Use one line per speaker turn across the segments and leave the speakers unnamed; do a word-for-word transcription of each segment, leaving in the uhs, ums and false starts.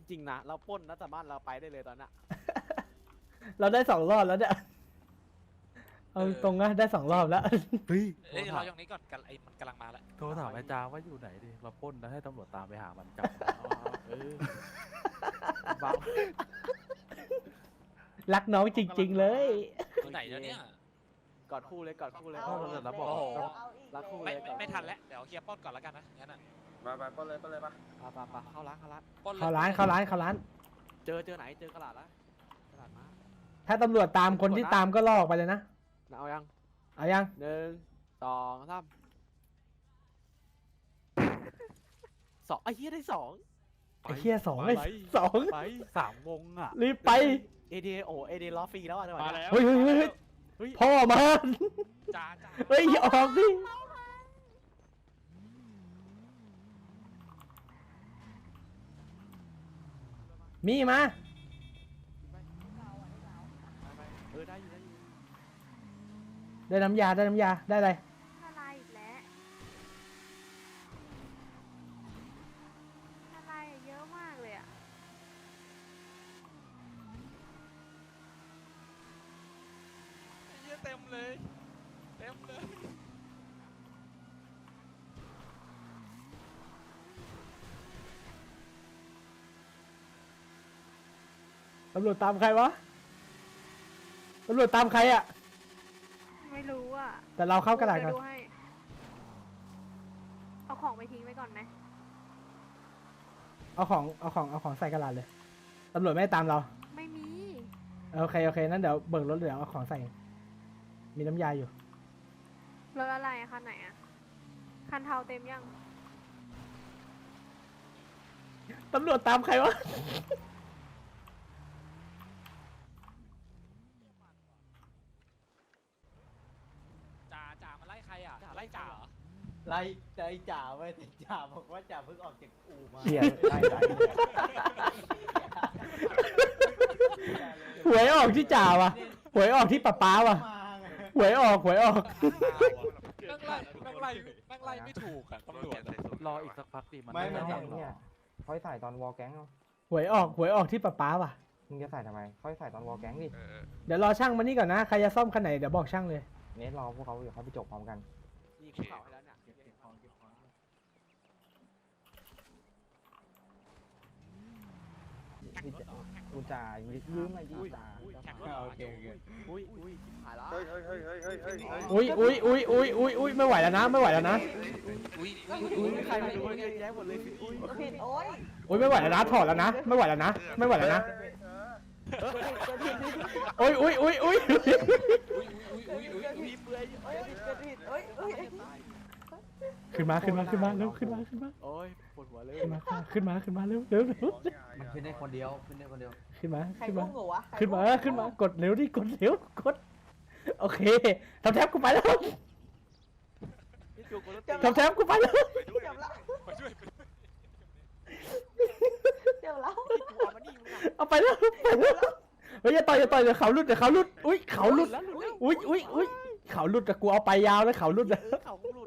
ริงๆนะเราปล้นนะแต่บ้านเราไปได้เลยตอนนั้น
เราได้สองรอบแล้วเนี่ยเอาตรงนะได้สองรอบแล้ว
เฮ้ย
เอ้ยเราอย่างนี้ก่อนกันไอ้มันกำลังมาแล้ว
โทรถามอาจารย์ว่าอยู่ไหนดิเราปล้นแล้วให้ตำรวจตามไปหามันจับเออบ้า
รักน้องจริง ๆ เลย
อยู่ไหนแล้วเนี่ย
กอดคู่เลยกอดคู่เลย
เอาเสร็จแล้วบอก
โอ้โห
รักคู่เล
ไม่
ย
ไม่ไม่ทันแล้วเดี๋ยวเคลียร์ป้อนก่อนแล้วกันนะงั้นอ่ะ
มาไปปล้นเลยปล้นเลยปะ
ปะปะปะเข้าร้านเข้าร้าน
ป้อนลย
เข้าร้านเข้าร้านเข้าร้าน
เจอเจอไหนเจอกระดาษละกระดาษมา
ถ้าตำรวจตามคนที่ตามก็ลอกไปเลยนะ
เอายัง
เอายัง
หนึ่งสองสามสองไอ้เหี้ยได้สอง
ไอ้เหี้ยสองไอ้สอง
ไปสามวงอ่ะ
รีบไป
เอเดโอเอเดล้อฟรีแล้วอ่ะจังหวะ
มา
เนี้ย
แล้ว
เฮ้ยเฮ้ยเฮ้ยเฮ้ย
เฮ้ย
พ่อมา
จ้าจ้า
เฮ้ยออกดิมีมา
ไปเออได้อยู่ได้อยู่
ได้น้ำยาได้น้ำยาได้อะไร
อะไรอีกแล้วอะไรอะเยอะมากเลยอ่ะ
เยอะเต็มเลยเต็มเลย
ตำรวจตามใครวะตำรวจตามใครอ่ะ
ไม่รู้อ่ะ
แต่เราเข้ากระดาษก่อน
เยวดูให้เอาของไปทิ้งไว้ก่อนไหม
เอาของเอาของเอาของใส่กระดาษเลยตำรวจไม่ให้ตามเรา
ไม่มี
โอเคโอเคนั้นเดี๋ยวเบิกรถเดี๋ยวเอาของใส่ มีน้ำยาอยู่
รถอะไรอะคันไหนอะคันเทาเต็มยัง
ตำรวจตามใครวะ
จ่าจ่ามาไล่ใครอ่ะไล่จ่าเหรอ
ไล่ใจจ่าไว้แต่จ่าบอกว่าจ่าเพิ่งออกจากอู่มา
เหี้ยได้ได้หวยออกที่จ่าว่ะหวยออกที่ป๊าป๊าว่ะ
มาไง
หวยออกหวยออก
นั่งไล่นั่งไล่นั่งไล่ไม่ถูกอ่ะตำรวจอะ
รออีกสักพักดิมัน
ไม่ไม่
ไม่
ไม่
ทำหร
เนี่
อย ก
เขาให้ใส่ตอนวอลแก๊งเอา
หวยออกหวยออกที่ป๊าป๊าว่ะ
มึงจะใส่ทำไมเขาให้ใส่ตอนวอลแก๊งดิ
เดี๋ยวรอช่างมานี่ก่อนนะใครจะซ่อมคันไหนเดี๋ยวบอกช่างเลย
เนสรอพวกเขาเดี๋ยวเขาไปจบพร้อมกัน
นี่คุกเข่าให้แล้วเนี่ย
กูจ่ายืมหน่อยดิจ่า
แข่งรถ
โอเคโอเค
อุ้ยอุ้ยหายละ
เฮ้ยเฮ้ยเฮ้ยเฮ้ยเฮ้ยเฮ้ย
อุ้ยอุ้ยอุ้ยอุ้ยอุ้ยอุ้ยไม่ไหวแล้วนะไม่ไหวแล้วนะ
อุ้ย
อุ้ยใครไม่รู้เยอะแยะหมดเลยอุ้ย
ผิดโอ้ย
อุ้ยไม่ไหวแล้วนะถอดแล้วนะไม่ไหวแล้วนะไม่ไหวแล้วนะอุ้ยอุ้ยอุ้ยอุ้ย
อุ้ยอุ้ยอุ้ยอุ้ย
มีเปลือย
เอ้ยเกิดผิดเอ้ยเอ้ย
ขึ้นมาขึ้นมาขึ้นมาเร็วขึ้นมาขึ้นมา
โอ้ยปวดหัวเลย
ขึ้นมาขึ้นมาขึ้นมาเร็วเร็วเร็ว
มันขึ้นได้คนเดียวขึ้นได้คนเดียว
ขึ้นมา
ใคร
ขึ้น
อุ้
มาม
หนูวะ
ขึ้นมาขึ้นมากดเร็วดิกดเร็วกดโอเคทำแท็บกูไปแล้ว
นี่จูกูรถ
ทำแท็บกูไปแล้ว
เดี๋ยวแล้ว
ไปด้วยไปด้วย
เดี๋ยวแล้ว
จูเอามานี่มึงอ่ะ
เอาไปแล้วไปแล้วเฮ้ยอย่าต่อยอย่าต่อยเดี๋ยวเขาหลุดเดี๋ยวเขาหลุดอุ้ยเขาหลุด
แล้วหลุดแล้ว
อุ้ยอุ้ยอุ้ยเขาหลุดแต่กูเอาไปยาวแล้วเขาหลุดอะ
เออเขาหลุด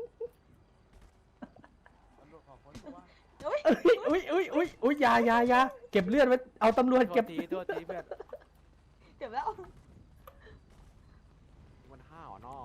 อุ้ย
อุ้ยอุ้ยอุ้ยอุ้ยยายายาเก็บเลือดไว้เอาตำรวจ
โท
เก็
ษ
บ
ทีโทษทีเพื่อน
เดี๋ยวแล้ว
มันห้าวอ่ะเนาะ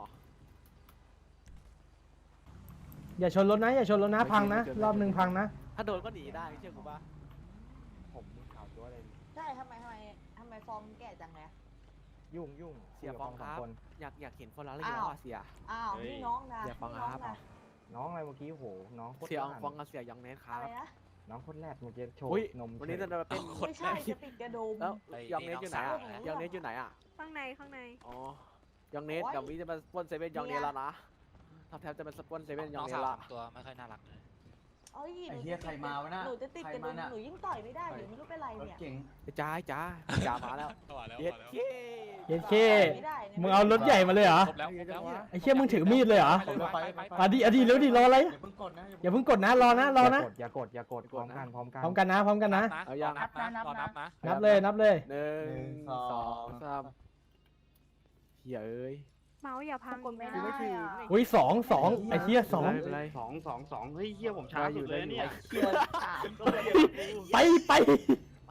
อย่าชนรถนะอย่าชนรถนะพังนะรอบหนึ่งพังนะ
ถ้าโดนก็หนีได้เชื่อกูป่ะผมมึงข่าวตัวอะไร
ใช่ทำไมทำไมทำไมฟอร์มแก่จังเลย
ยุ่งยุ่ง
เสียฟองครับ
คน
อยากอยากเห็นคนละเรื่องว่าเสีย
อ้าวนี่น้องนะ
อย่าฟัง
นี่น้อง
ครับ
นะ
น้องอะไรเมื่อกี้โหน้องโคตร
เสีย
แร
ฟองกับเสียยองเนสค
อะ
รับ
ไรนะ
น้องโคตรแรดเมื่อกี้โชว์
อุ้ย
นม
วันนี้จะมาเป็น
ไม่ใช่จะติดกระดุม
แล้วยองเนสอยู่ไหนอ่ะยองเนสอยู่ไหนอ่ะ
ข้างในข้างใน
อ๋อยองเนสเดี๋ยววิจะมาสปอนเซเว่นยองเนสแล้วนะทำแทบจะเป็นสปอนเซเว่นย
น้
อ
อง ง
เน
สา
ส
ว
ละ
ทำตัวไม่ค่อยน่ารักเลย
เอ้ย
ไอ้เหี้ยใครมาวะน่ะ
หนูจะติดกระดุม
ใครมาน่ะ
หนูยิ่งต่อยไม่ได้หนูไม่รู้เป็นไร
รถ
เนี่ย
เก๋ง
จ้าจ้าจ้ามาแล้ว
มาแล้ว
เย็ด
มาแล้ว
เย้
เย็นเค
ไม่ได้นี่ย
มึงเอารถใหญ่มาเลยเหรอ
ครบแล้วครบแล้ว
ไอ้เชี่ยมึงถือมีดเลยเหรอ
ไปไปไป
อ่ะดิอ่ะดิเร็วดิรออะไร
อย่าเพิ่งกดนะ
อย่าเพิ่งกดนะรอนะรอนะ
อย่ากดอย่ากดอย่ากดพร้อมกันพร้อมกัน
พร้อมกันนะพร้อมกันนะ
เอายังนับนะรอนับนะ
นับเลยนับเลย
หนึ่งสองสามเฮ้ยเอ้ย
เมาส์อย่าพังไม่
กู
ได้
ไม่ถึง
อะ
อุ้ยสองสองไอ้เชี่ยสอง
ไม่เป็นไร
สองสองสองเฮ้ยเฮียผมช้าสุดเลยเนี่ย
เกียร์สามก็เลย
ไปไป
ไป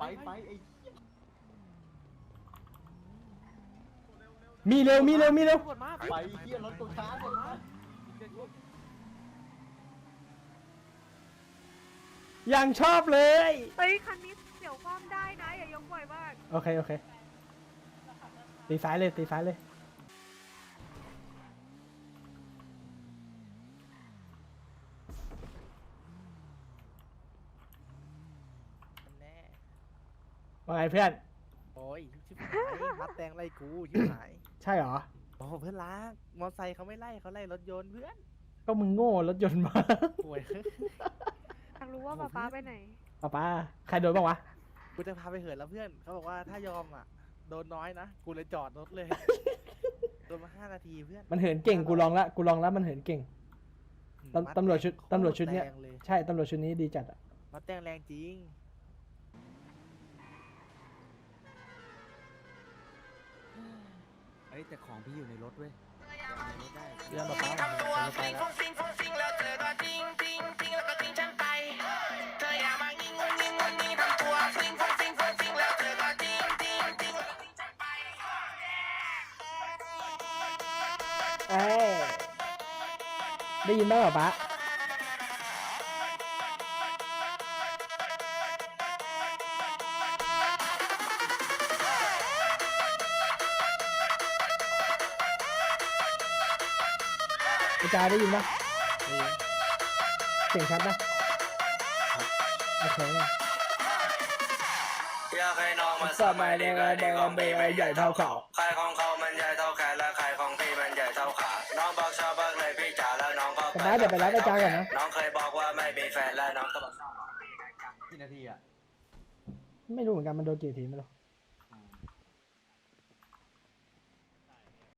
มีเร็วมีเร็วมีเร็ว
ตำรวจมา
ไปเฮียรถกูช้าเลยนะ
ยังชอบเลย
เฮ้ย คันนี้เดี๋ยวความได้นะ อย่ายกบ่อยมาก
โอเคโอเคตีซ้ายเลยตีซ้ายเลยว่าไงเพื่อน
โอ้ยชิบหายมัดแตงไล่กูชิบหาย
ใช่เหรอ
โอ้เพื่อนรักมอไซค์เขาไม่ไล่เขาไล่รถยนต์เพื่อน
ก็มึงโง่รถยนต์มา
ป่วย
อยากรู้ว่าป๊าป๊าไปไหน
ป้าป้าใครโดนบ้างวะ
กูจะพาไปเหินแล้วเพื่อนเขาบอกว่าถ้ายอมอ่ะโดนน้อยนะกูเลยจอดรถเลยโดนมาห้านาทีเพื่อน
มันเหินเก่งกูลองละกูลองแล้วมันเหินเก่ง ตำ
มัด
ตำรวจชุด
โค
ตำรวจชุดเนี้ย
แรงเลย
ใช่ตำรวจชุดนี้ดีจัดอะ
มัดแตงแรงจริง
เฮ้ยแต่ของพี่อยู่ในรถเว้ย
เรื่องแบบนี้
ทำตัว
ไป
ฟิง
แล้ว
ฟุ้งฟิงฟุ้งฟิงแล้วเธอก็ทิ้งทิ้งทิ้งแล้วก็ทิ้งฉันไป เธออย่ามางิ้งงุ้งงิ้งงุ้งงิ้งทำตัวฟิงฟุ้งฟิงฟุ้งฟิงแล้วเธอก็ทิ้งทิ้งทิ้งแล้วก็ทิ้งฉันไป
เอ้ยได้ยินบ้างเหรอป้าอาจารย์ได้ยินปะเสียงชัดนะโอเคเนี่ย
อยากให้น้องมา
สมัยเด็กเด็กเบย์ใหญ่เท่าเขา
ใครของเขามันใหญ่เท่าแขนและใครของพี่มันใหญ่เท่าขา น้องบอกชอบเบิกเลยพี่จ๋าแล้วน้องก็
แต่ป้าเดี๋ยวไปรับอาจารย์ก่อนนะ
น้องเคยบอกว่าไม่มีแฟนแล้วน้องก็บอก
กี่นาทีอ่ะ
ไม่รู้เหมือนกันมันโดนกี่ทีไม่รู้